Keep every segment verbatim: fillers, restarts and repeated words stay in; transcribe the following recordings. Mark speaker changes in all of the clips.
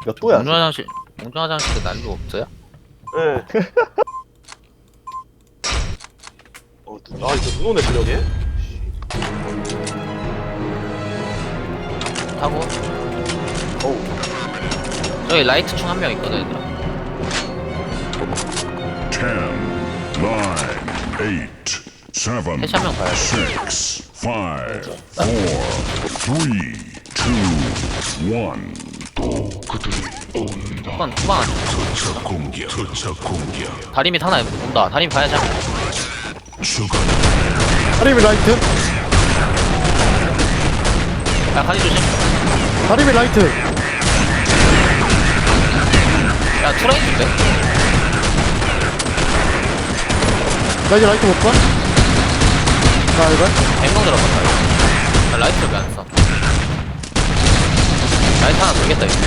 Speaker 1: 몇 도야?
Speaker 2: 공중 화장실, 공중 화장실에 난로 없어요?
Speaker 3: 예. 어, 아, 이거 눈 오네, 저녁에.
Speaker 2: 하고
Speaker 3: 어우.
Speaker 2: 저기 라이트 총 한 명 있거든 얘들아.
Speaker 4: ten, nine, eight, seven,
Speaker 2: 해시 한 명 봐야 돼.
Speaker 4: six, five, four, three, two, one.
Speaker 2: 후반 후반 안 쳐.
Speaker 4: 투척 공격, 투척 공격.
Speaker 2: 다리 밑 하나 온다. 다리 밑 봐야지.
Speaker 4: 추가.
Speaker 5: 다리미 라이트.
Speaker 2: 야 간이 조심.
Speaker 5: 다리미 라이트.
Speaker 2: 야 트라이인데?
Speaker 5: 나 이제 라이트 못 봐? 나 이거?
Speaker 2: 엠동 들어갔다 이거. 야 라이트를 왜 안 써? 라이트 하나 돌겠다 이거.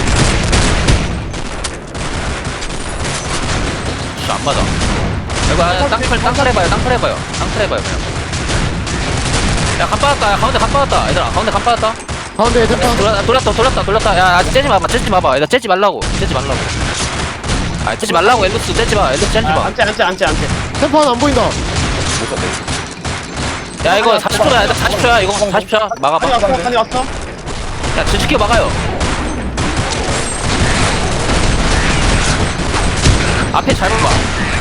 Speaker 2: 씨, 안 맞아. 이거 아, 땅클 땅클 해봐요. 땅클 해봐요. 땅클 해봐요 그냥. 야간 빠졌다. 야 가운데 간 빠졌다. 얘들아 가운데 간 빠졌다.
Speaker 5: 가운데 템파.
Speaker 2: 돌아, 돌았다 돌았다 돌았다. 야 아, 째지 마봐. 째지 마봐. 얘들아 째지 말라고. 째지 말라고. 아 째지 말라고. 엘루스 째지 마. 엘루스 째지
Speaker 3: 아,
Speaker 2: 마.
Speaker 3: 안째, 안째, 안째, 안째.
Speaker 5: 템파 하나 안 보인다.
Speaker 2: 야 이거 사십 초야. 얘들아 사십 초야. 이거 사십 초야.
Speaker 3: 칸이
Speaker 2: 막아봐.
Speaker 3: 왔어, 칸이 왔어.
Speaker 2: 야 지지켜 막아요. 앞에 잘 봐봐.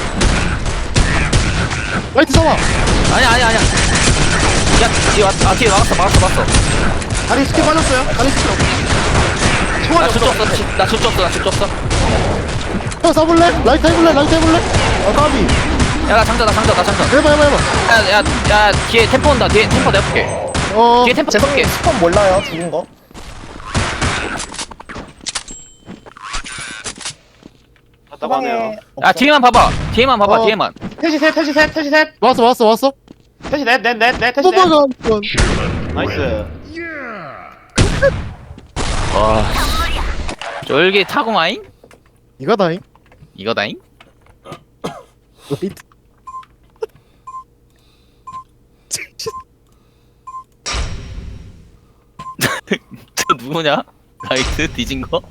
Speaker 5: 라이트 잡아.
Speaker 2: 아니야 아니야 아니야. 야 뒤에 왔, 아 뒤에 막았어 막았어 막았어.
Speaker 5: 다리 스킬 빠졌어요. 다리 스킬 없어.
Speaker 2: 나 질주 없어. 지- 나 질주 없어. 나 질주 없어.
Speaker 5: 형 쏴볼래? 라이트 해볼래? 라이트 해볼래? 아 까비.
Speaker 2: 야 나 장전 나 장전 나 장전.
Speaker 5: 해봐 해봐 해봐.
Speaker 2: 야야 야 뒤에 템포 온다. 뒤에 템포 내가 볼게.
Speaker 5: 어.
Speaker 2: 뒤에 템포 내가 볼게.
Speaker 1: 스폰 몰라요, 죽은 거?
Speaker 3: 답답하네요.
Speaker 2: 야 뒤에만 봐봐. 뒤에만 봐봐.
Speaker 5: 어.
Speaker 2: 뒤에만.
Speaker 3: 태시 셋, 태시 셋, 태시 셋.
Speaker 5: 왔어 왔어 왔어.
Speaker 3: 태시 넷, 넷, 넷, 넷, 태시 넷.
Speaker 5: 오빠가 한 번.
Speaker 3: 나이스.
Speaker 2: 와. 쫄기 타고마잉?
Speaker 5: 이거다잉.
Speaker 2: 이거다잉?
Speaker 5: 라이트.
Speaker 2: 저 누구냐? 라이트 뒤진 거?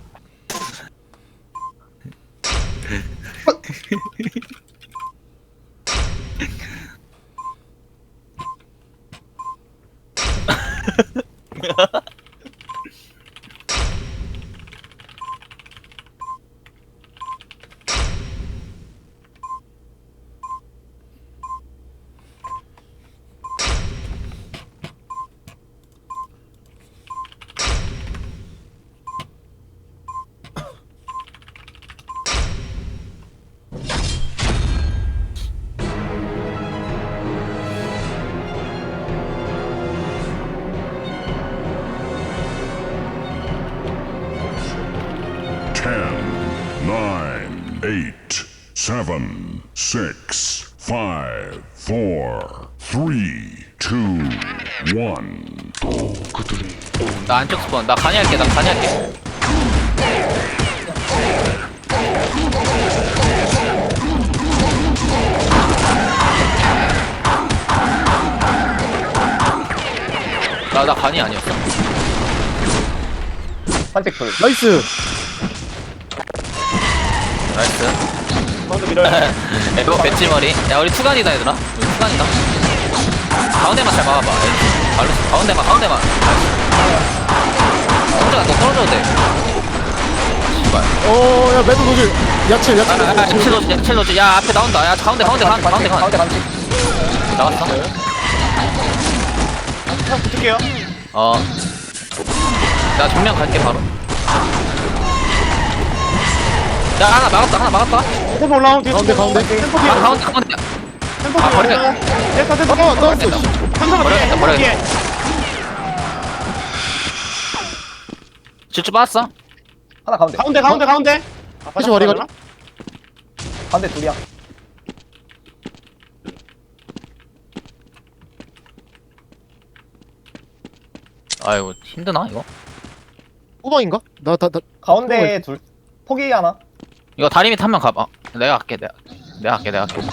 Speaker 4: ten, nine, eight, seven, six, five, four, three, two, one.
Speaker 2: 나 안쪽 스폰. 나 간이 할게. 나 간이 할게. 나, 나 간이 아니었어.
Speaker 1: 한택 돌.
Speaker 5: 나이스.
Speaker 2: 나이스.
Speaker 3: 가운데 밀어요.
Speaker 2: 이거 배지머리. 야, 우리 투간이다, 얘들아. 우리 투간이다. 가운데만 잘 막아봐. 발로, 가운데만, 가운데만. 혼자가 너 떨어져도 돼. 씨발.
Speaker 5: 어, 야 매드 노즐. 야채
Speaker 2: 아,
Speaker 5: 야채.
Speaker 2: 아, 아, 칠 로즈, 칠 로즈. 야, 앞에 나온다. 야, 가운데, 가운데, 가운데, 가운데, 가운데.
Speaker 1: 가운데 간지.
Speaker 2: 나왔어?
Speaker 3: 형 붙을게요.
Speaker 2: 어. 나 정면 갈게, 바로. 야, 하나 막았다, 하나 막았다.
Speaker 3: 템포 올라오면 뒤에
Speaker 5: 가운데, 가운데.
Speaker 3: 템포 뒤에
Speaker 2: 아, 가운데, 가운데.
Speaker 3: 템포
Speaker 2: 아,
Speaker 3: 뒤에
Speaker 2: 버려.
Speaker 3: 올라와요. 됐다, 됐다.
Speaker 5: 어, 나왔어.
Speaker 2: 됐다.
Speaker 3: 한상아 뒤에,
Speaker 2: 버려야겠다,
Speaker 3: 템포 뒤에.
Speaker 2: 질주 빠졌어?
Speaker 1: 하나 가운데.
Speaker 3: 가운데, 가운데, 가운데. 아,
Speaker 5: 다시 머리가.
Speaker 1: 가운데 둘이야.
Speaker 2: 아이고, 힘드나, 이거?
Speaker 5: 후방인가? 나 나 나.
Speaker 1: 가운데 둘. 포기 하나.
Speaker 2: 이거 다리 밑 한 명 가봐. 내가 갈게, 내가. 내가 갈게, 내가 갈게.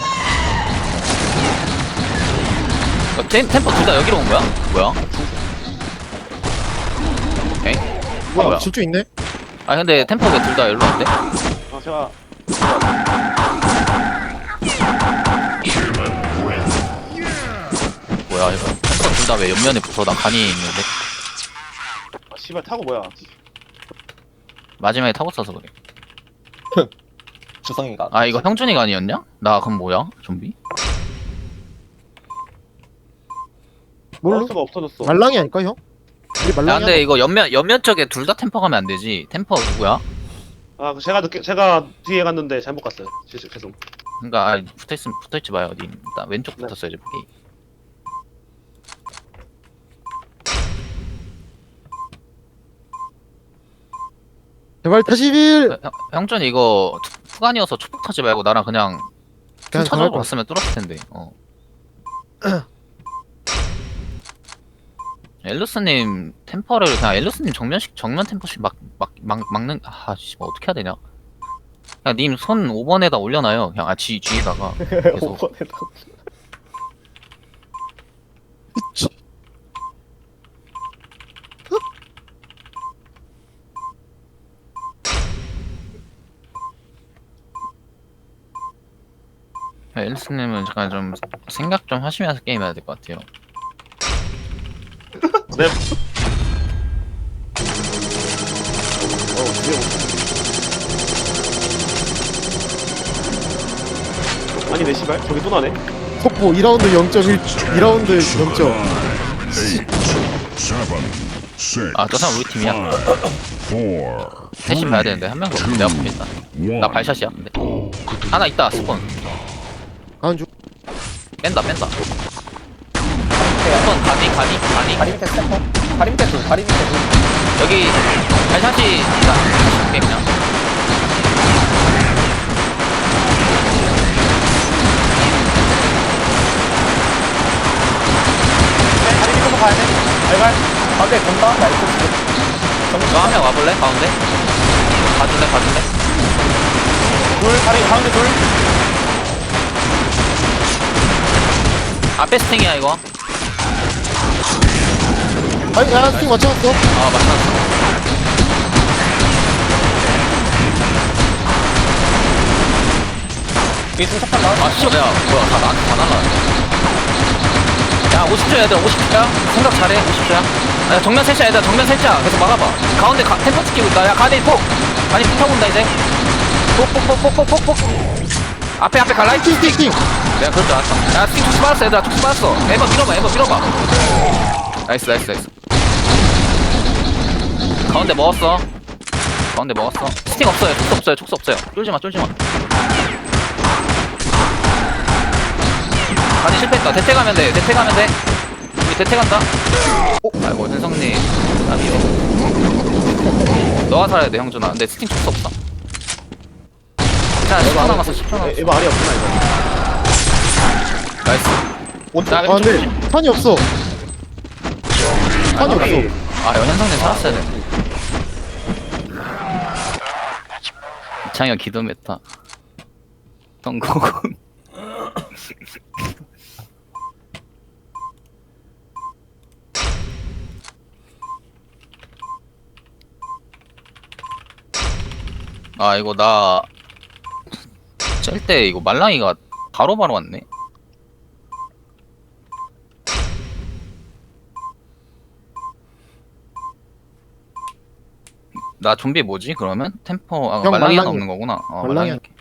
Speaker 2: 어, 템, 템포 둘 다 여기로 온 거야? 뭐야? 오케이.
Speaker 5: 뭐야?
Speaker 2: 뭐야?
Speaker 5: 질주 있네.
Speaker 2: 아 근데 템포 왜 둘 다 일로 안 돼?
Speaker 3: 어 제가
Speaker 2: 뭐야 이거 템포 둘 다 왜 옆면에 붙어? 나 간이 있는데
Speaker 3: 아 씨발 타고 뭐야
Speaker 2: 마지막에 타고 써서 그래.
Speaker 1: 주성이가.
Speaker 2: 아 이거 형준이가 아니었냐? 나 그럼 뭐야? 좀비?
Speaker 5: 뭘로?
Speaker 3: 마우스가 없어졌어
Speaker 5: 말랑이 아닐까 형? 우리
Speaker 2: 야
Speaker 5: 말랑이
Speaker 2: 근데 이거 옆면 옆면 쪽에 둘 다 템퍼 가면 안 되지. 템퍼 누구야?
Speaker 3: 아 제가 늦게 제가 뒤에 갔는데 잘못 갔어요 죄송 죄송
Speaker 2: 그러니까 아, 붙어 있으면 붙어 있지 마요. 어디 나 왼쪽
Speaker 3: 네.
Speaker 2: 붙었어야지 보기.
Speaker 5: 제발 타시빌.
Speaker 2: 형, 형준 이거 투- 투간이어서 초폭 타지 말고 나랑 그냥
Speaker 5: 그냥
Speaker 2: 찾아보고
Speaker 5: 전할 거.
Speaker 2: 갔으면 뚫었을 텐데. 어. 엘루스님 템퍼를 그냥 엘루스님 정면식 정면 템퍼씩 막 막 막 막는 아씨 뭐 어떻게 해야 되냐? 그냥 님 손 오 번에다 올려놔요. 그냥 아쥐 쥐에다가 계속.
Speaker 1: 오번에다.
Speaker 2: 엘루스님은 잠깐 좀 생각 좀 하시면서 게임해야 될 것 같아요.
Speaker 3: 네 어, 뒤에 오- 아니 내 씨발 저기 또 나네
Speaker 5: 속보 이 라운드 영 점 일, 이 라운드 영 점.
Speaker 4: Eight, seven, six,
Speaker 2: 아, 저 사람 우리 팀이야.
Speaker 4: five, four,
Speaker 2: 셋이 봐야 되는데 한 명도 없어. 내가 보겠다. 나 발샷이야. 근데 하나 있다. 스폰
Speaker 5: 가는 중.
Speaker 2: 뺀다 뺀다. 스폰 가니 가니 가니.
Speaker 1: 다리 밑에 스태퍼. 다리 밑에 둘. 다리 밑에 둘.
Speaker 2: 여기 발샷이 나 볼게 그냥.
Speaker 1: 네, 다리 밑에서 가야 돼. 알갈. 가운데 본다. 나 이쪽 지금.
Speaker 2: 너 한 명 와볼래? 가운데? 가줄래 가줄래?
Speaker 1: 둘. 다리 가운데 둘.
Speaker 2: 앞에 스팅이야 이거.
Speaker 5: 아니 야 스팅 맞춰놨어.
Speaker 2: 아 맞다.
Speaker 1: 뒤에 좀 착한 나.
Speaker 2: 아 씨, 야 뭐야 다 나한테 다 날라. 야 오십 초야 얘들아 오십 초야. 생각 잘해 오십 초야. 야 정면 셋이야 얘들아 정면 셋이야. 계속 막아봐. 가운데 가, 템포 찍히고 있다. 야 가디 폭. 가디 폭 타고 온다 이제. 폭폭폭폭폭폭폭. 앞에 앞에 갈라이.
Speaker 5: 스팅 스팅 스팅.
Speaker 2: 내가 그럴 줄 알았다. 야 스팅 툭스 받았어 얘들아 툭스 받았어. 에버 밀어봐 에버 밀어봐. 나이스 나이스 나이스. 가운데 먹었어. 가운데 먹었어. 스팅 없어요 툭스 없어요 툭스 없어요. 쫄지마 쫄지마. 가디 실패했다. 대퇴 가면 돼. 대퇴 가면 돼. 우리 대퇴 간다. 오, 아이고 현성님. 아니요. 너가 살아야 돼 형준아. 근데 스팅 촉수 없어. 자, 십 초 남았어. 십 초 남았어.
Speaker 3: 이거 알이 없구나 이거
Speaker 2: 나이스. 자,
Speaker 5: 아
Speaker 2: 왼쪽
Speaker 5: 근데
Speaker 2: 조심.
Speaker 5: 탄이 없어. 탄이 없어.
Speaker 2: 아, 현성님 살았어야 돼. 이창현 기도 메타. 성공. 아 이거 나 짤 때 이거 말랑이가 바로바로 왔네. 나 좀비 뭐지 그러면? 템포 아
Speaker 5: 형,
Speaker 2: 말랑이는
Speaker 5: 말랑이.
Speaker 2: 없는 거구나. 어,
Speaker 5: 말랑이
Speaker 2: 말랑이.
Speaker 5: 할게.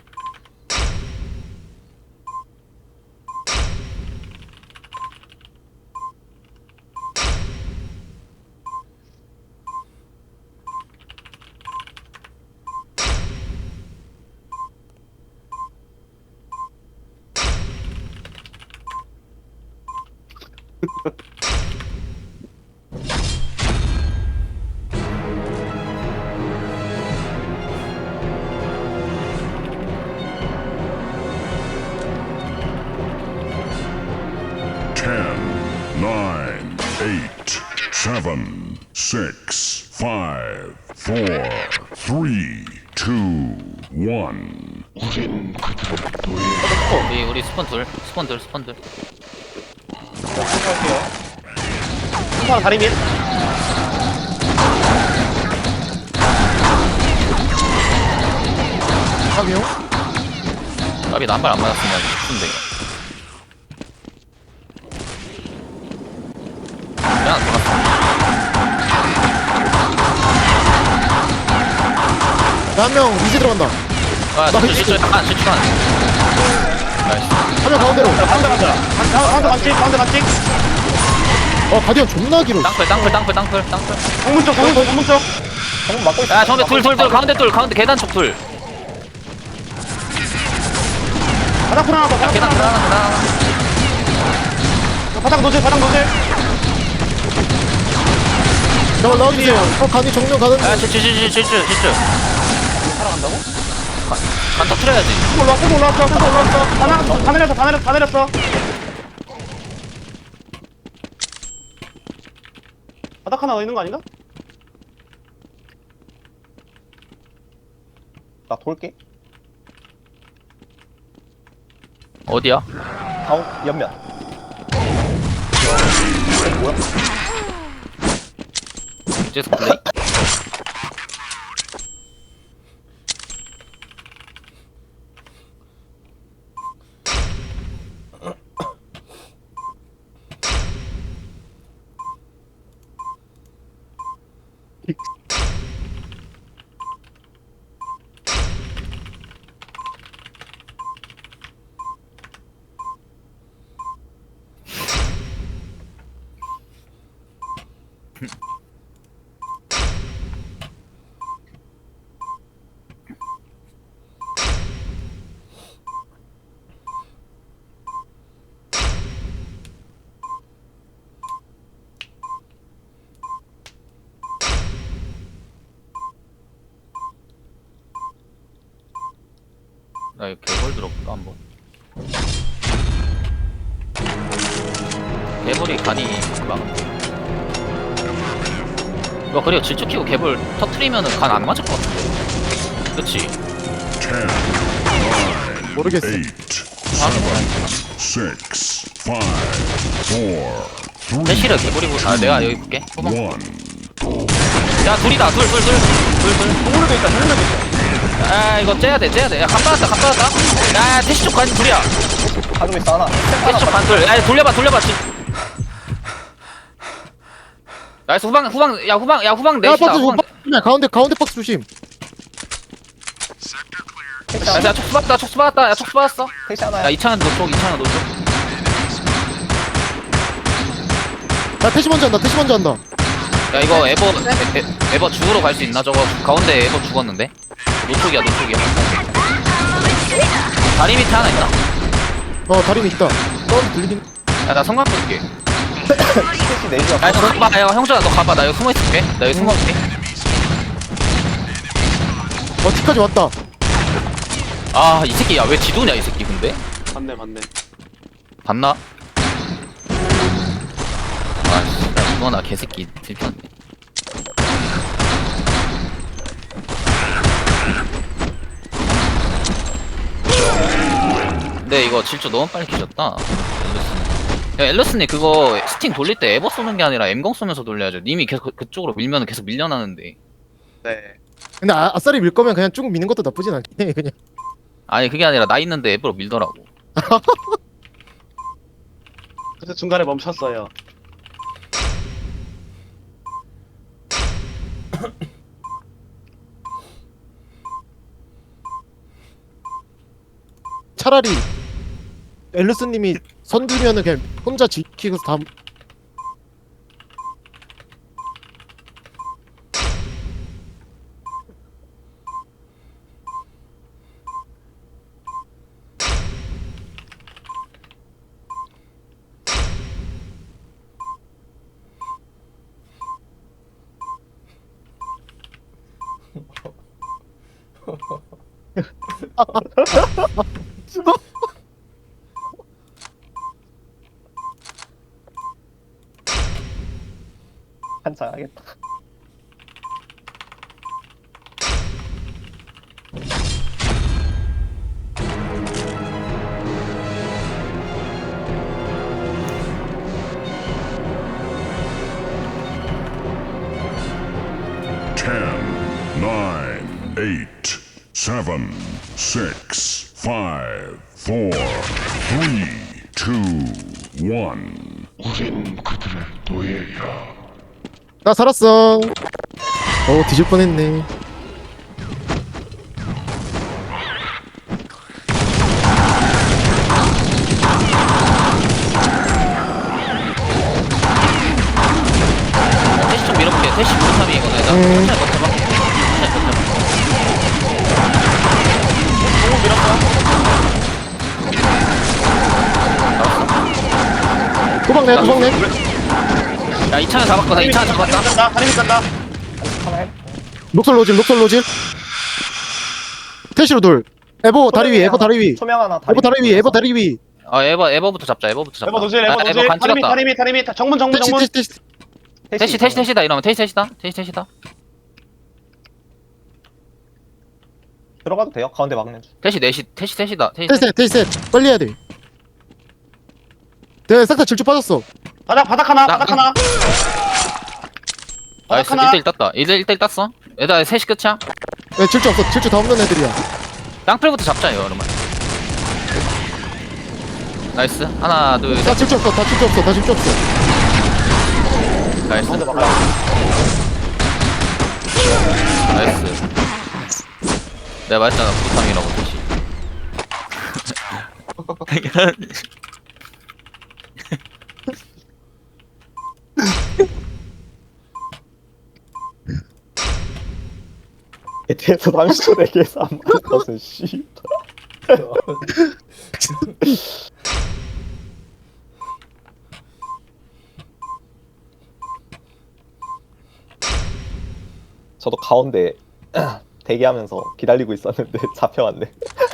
Speaker 4: Ten, nine, eight, seven, six, five, four, three, two, one.
Speaker 2: 우리 우리 스폰 둘 스폰 둘 스폰 둘.
Speaker 3: 할게요 한 사람 다리 밑
Speaker 5: 까비용?
Speaker 2: 까비 나한발 안 맞았으면 죽는데 그냥 돌았어.
Speaker 5: 한 명 미지 들어간다.
Speaker 2: 아
Speaker 5: 나
Speaker 2: 실수 실수 한 실수 한 나이스.
Speaker 5: 한 명 가운데로.
Speaker 3: 가운데 가자. 가운데 맞지? 가운데 맞지?
Speaker 5: 어 가디언 존나 길어.
Speaker 2: 땅굴 땅굴 땅굴 땅굴 땅굴
Speaker 3: 정문 쪽, 정문 쪽, 정문 쪽.
Speaker 1: 정문 막고 있어.
Speaker 2: 야 정배 둘둘둘 가운데 둘 가운데 계단 쪽둘
Speaker 3: 바닥 풀어놔, 바닥
Speaker 2: 계단
Speaker 3: 풀어놔.
Speaker 2: 계단 계단
Speaker 3: 바닥 노즐, 바닥 노즐.
Speaker 5: 저걸 넣어주세요. 어 간이 정면 가는.
Speaker 2: 야 질주 질주 질주 질주
Speaker 1: 살아간다고?
Speaker 2: 간 터트려야지.
Speaker 3: 또 올라왔어, 또 올라왔어, 또 올라왔어. 다 내렸어, 다 내렸어, 다 내렸어, 다 내렸어. 바닥 하나 더 있는 거 아닌가?
Speaker 1: 나 돌게.
Speaker 2: 어디야?
Speaker 1: 다운 옆면. 뭐야?
Speaker 2: 이제서 플레이? 나 이거 개벌 들어볼까 한번. 개벌이 간이 막 이거 그리고 질주 키고 개벌 터트리면은 간 안 맞을 것 같은데. 그렇지.
Speaker 4: ten, nine,
Speaker 5: 모르겠어.
Speaker 4: eight, seven, six, five, four, three,
Speaker 2: 대시를 개벌이고 아 내가 여기 볼게. 후방.
Speaker 4: one.
Speaker 2: 야 둘이다 둘 둘 둘 둘 둘.
Speaker 1: 동물에도 있다. 동물에도 있다.
Speaker 2: 아 이거 째야 돼 째야 돼. 야 간 받았다 간 받았다. 야 대시 쪽 간 둘이야.
Speaker 1: 가지고 있어 하나.
Speaker 2: 대시 쪽 간 둘. 야 돌려봐 돌려봐. 지- 나이스 후방 후방 야 후방 야 후방
Speaker 5: 야
Speaker 2: 넷이다.
Speaker 5: 박스
Speaker 2: 후방.
Speaker 5: 조심. 가운데 가운데 박스 조심.
Speaker 2: 야, 야 촉수 받았다 촉수 받았다 야 촉수 받았어.
Speaker 1: 택시 하나야.
Speaker 2: 야 이창현 노쪽 이창현 노쪽.
Speaker 5: 나 태시 먼저 한다. 태시 먼저 한다.
Speaker 2: 야 이거 에버 에, 에, 에버 죽으러 갈 수 있나 저거 가운데 에버 죽었는데 노쪽이야 노쪽이야. 다리 밑에 하나 있나?
Speaker 5: 어 다리 밑 있다. 넌 들리긴.
Speaker 2: 야나 성광 볼게.
Speaker 1: 택시 내리자.
Speaker 2: 야너 가봐 야 형준아 너 가봐 나 여기 숨어 있을게. 나 여기 숨어 있을게.
Speaker 5: 어 뒤까지 왔다.
Speaker 2: 아 이 새끼 야 왜 지도냐 이 새끼 근데
Speaker 3: 맞네, 맞네.
Speaker 2: 봤나? 아씨 야 이거나 개새끼 들켰네. 근데 이거 질주 너무 빨리 키셨다 엘러스님. 야 엘러스님 그거 스팅 돌릴 때 에버 쏘는 게 아니라 엠공 쏘면서 돌려야죠. 님이 계속 그- 그쪽으로 밀면 계속 밀려나는데.
Speaker 3: 네.
Speaker 5: 근데 아, 아싸리 밀 거면 그냥 쭉 미는 것도 나쁘진 않긴 해. 그냥.
Speaker 2: 아니 그게 아니라 나 있는데 에버로 밀더라고.
Speaker 3: 그래서 중간에 멈췄어요.
Speaker 5: 차라리 엘르스님이 선두면은 그냥 혼자 지키고 다.
Speaker 1: 한참 하겠다.
Speaker 4: ten, nine, eight, seven, six, five, four, three, two, one. 우린 그들의 노예야.
Speaker 5: 나 살았어. 어 뒤질 뻔했네.
Speaker 2: 대시 좀 밀어볼게. 대시 무삼이 이거는 일단
Speaker 5: 음.
Speaker 2: 천천히 버텨봐. 천천히
Speaker 5: 도망내 도망내.
Speaker 2: 버텨봐. 야 이차는 잡았거든. 이차는 잡았다.
Speaker 3: 간다. 다리 간다.
Speaker 1: 하나 해.
Speaker 5: 녹설 로질 녹설 로질. 태시로 돌. 에보 다리 위 에보 다리 위.
Speaker 1: 초명 하나.
Speaker 5: 에보 다리 위 에보 다리 위.
Speaker 2: 어 에버 에버부터 잡자. 에버부터 잡자.
Speaker 3: 에버 노질, 에버
Speaker 2: 아,
Speaker 3: 노질.
Speaker 2: 에버 간
Speaker 3: 다리미,
Speaker 2: 찍었다.
Speaker 3: 다리미, 다리미. 정문, 정문,
Speaker 5: 태시
Speaker 3: 정문.
Speaker 5: 태시 태시.
Speaker 2: 대시 대시 대시다 이러면 대시 대시다. 대시 대시다.
Speaker 1: 들어가도 돼요? 가운데 막는 중.
Speaker 2: 대시 넷시 대시 대시다. 대시
Speaker 5: 태시 태시 태시. 빨리 해야 돼. 내가 싹다 질주 빠졌어.
Speaker 3: 바닥, 바닥 하나,
Speaker 2: 나-
Speaker 3: 바닥 하나.
Speaker 2: 나이스.
Speaker 3: 바닥 하나.
Speaker 2: 일 대 일 땄다. 일 대 일 땄어. 얘들아 셋이 끝이야.
Speaker 5: 야 질주 없어. 질주 다 없는 애들이야.
Speaker 2: 땅풀부터 잡자 이거 그러면. 나이스. 하나 둘
Speaker 5: 다
Speaker 2: 셋.
Speaker 5: 질주 없어. 다 질주 없어. 다 질주 없어.
Speaker 2: 나이스.
Speaker 1: 가운데 막
Speaker 2: 나이스. 내가 말했잖아 부상이라고 대시.
Speaker 1: 뒤에서 삼십 초 내기에서 안 맞는 것은 씨. 저도 가운데 대기하면서 기다리고 있었는데 잡혀왔네.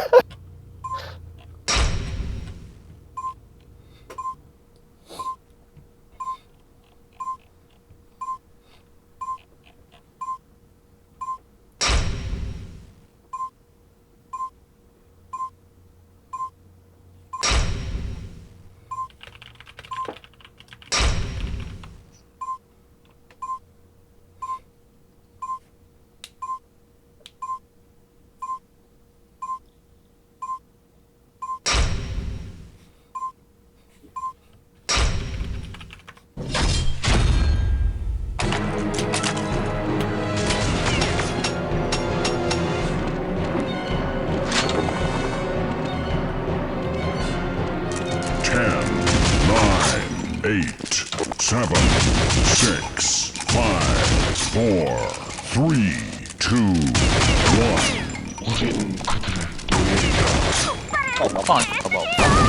Speaker 4: ten, nine, eight, seven, six, five, four, three, two, one. 우린 그들의 노예야.
Speaker 2: 빵 봐봐.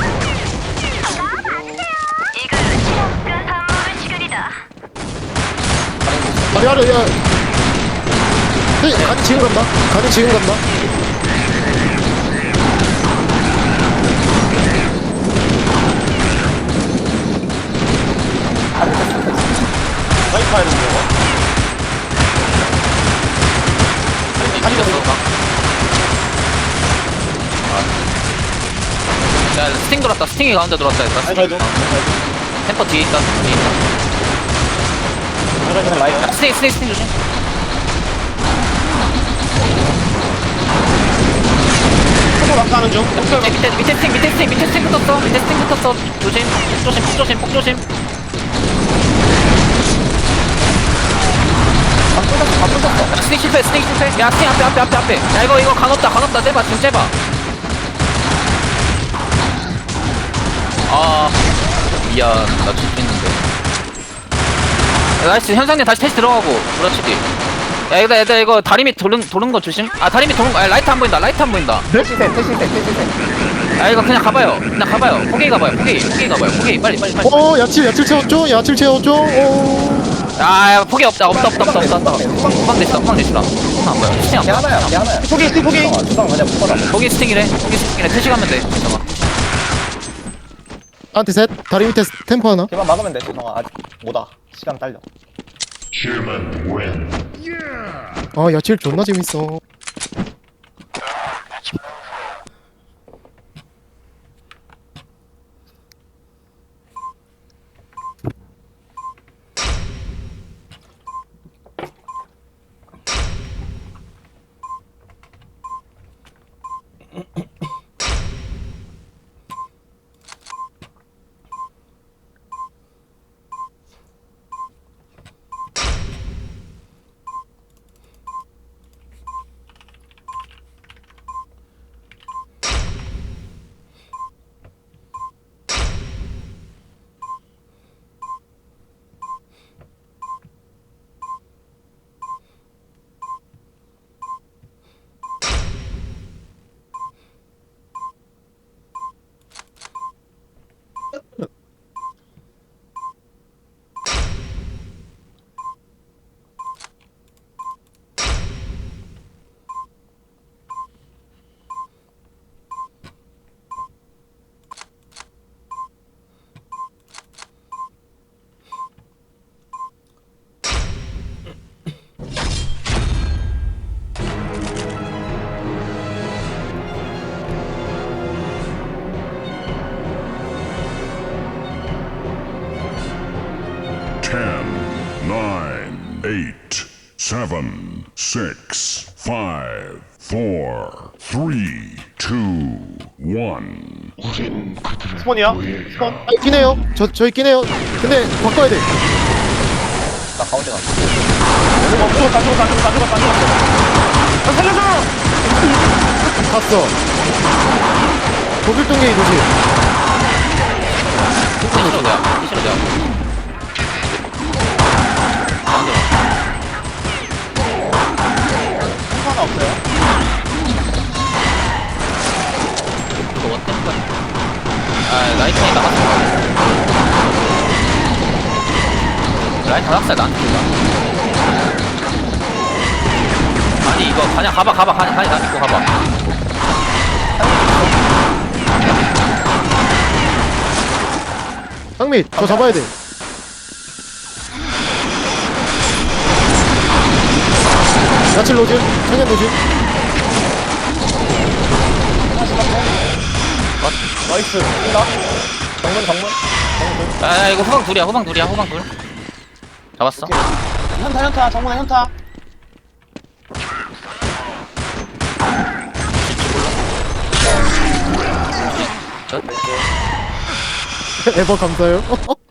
Speaker 6: 이것은 시험과 탐험의 시간이다.
Speaker 5: 아니 아니 야. 네, 간이 지금 간다. 간이 지금 간다.
Speaker 3: 라이트 파야 되는 거.
Speaker 2: 다시 됐어. 야 스팅 들었다. 스팅이 가운데 들어왔다 일단.
Speaker 3: 아니, 가야죠.
Speaker 2: 템퍼 뒤에 있다. 뒤에 있다.
Speaker 1: 그냥 라이트.
Speaker 2: 야, 스팅 스팅 스팅 조심.
Speaker 3: 초코 낙하하는 중.
Speaker 2: 밑에 밑에 밑에 스팅 밑에 스팅 밑에 스팅 붙었어. 밑에 스팅 붙었어. 조심. 폭 조심. 폭 조심. 폭 조심. 야, 스팅 실패. 스팅 실패. 야 스팅 앞에 앞에 앞에 앞에. 야 이거 이거 간없다 간없다. 째봐 지금 째봐. 아 미안 나 죽겠는데. 야, 나이스 현상님 다시 테스트 들어가고 그렇지. 야 얘들아 얘들아 이거 다리 밑 도는 도는 거 조심. 아 다리 밑 도는 거. 아 라이트 안 보인다. 라이트 안 보인다.
Speaker 1: 태시셋, 태시셋, 태시셋.
Speaker 2: 아 이거 그냥 가봐요. 그냥 가봐요. 포기 가봐요. 포기 포기 가봐요. 포기 빨리 빨리 빨리.
Speaker 5: 어 야채 야채 채웠죠? 야채 채웠죠? 어.
Speaker 2: 아 야, 포기 없다 없다 없다 없다 없다 없다. 후방 됐어 후방 됐어. 후방 안 보여. 스팅 안
Speaker 1: 걔
Speaker 2: 보여.
Speaker 1: 하나야, 걔 하나야.
Speaker 3: 포기, 스틱 포기.
Speaker 1: 어, 주방 그냥 묶어라.
Speaker 2: 포기 스팅이래. 포기 스팅이래. 퇴시 가면 돼. 잠깐만.
Speaker 5: 한테 셋. 다리 밑에 템포 하나.
Speaker 1: 걔만 막으면 돼. 주방아 아직 못와. 시간 딸려.
Speaker 4: Human win.
Speaker 5: 아 야채 존나 재밌어.
Speaker 4: seven, six, five, four, three, two, one.
Speaker 3: 스폰이야? 스폰?
Speaker 5: 아, 있긴 해요. 저, 저 있긴 해요. 근데 바꿔야 돼.
Speaker 1: 나 가운데 가.
Speaker 3: 어, 죽었다, 죽었다, 죽었다, 죽었다, 죽었어. 나 살려줘!
Speaker 5: 갔어. 독일 동계이 도시.
Speaker 2: 시시로 내가 시시로 내가 가운데
Speaker 1: 하나 없어요?
Speaker 2: 이거 원템 거야 아 라이트닝 나갔어 라이트 다각살 나한테 쏜다 아니 이거 그냥 가봐 가봐 가냐 가냐 나 믿고 가봐
Speaker 5: 상민, 저 잡아야 돼. 야칠 로즈, 천연 도시.
Speaker 1: 나이스. 나 정문 정문.
Speaker 2: 아 이거 후방 둘이야 후방 둘이야 후방 둘 잡았어
Speaker 1: 현타 현타 정문에 현타.
Speaker 2: 저
Speaker 5: 에버 감사해요.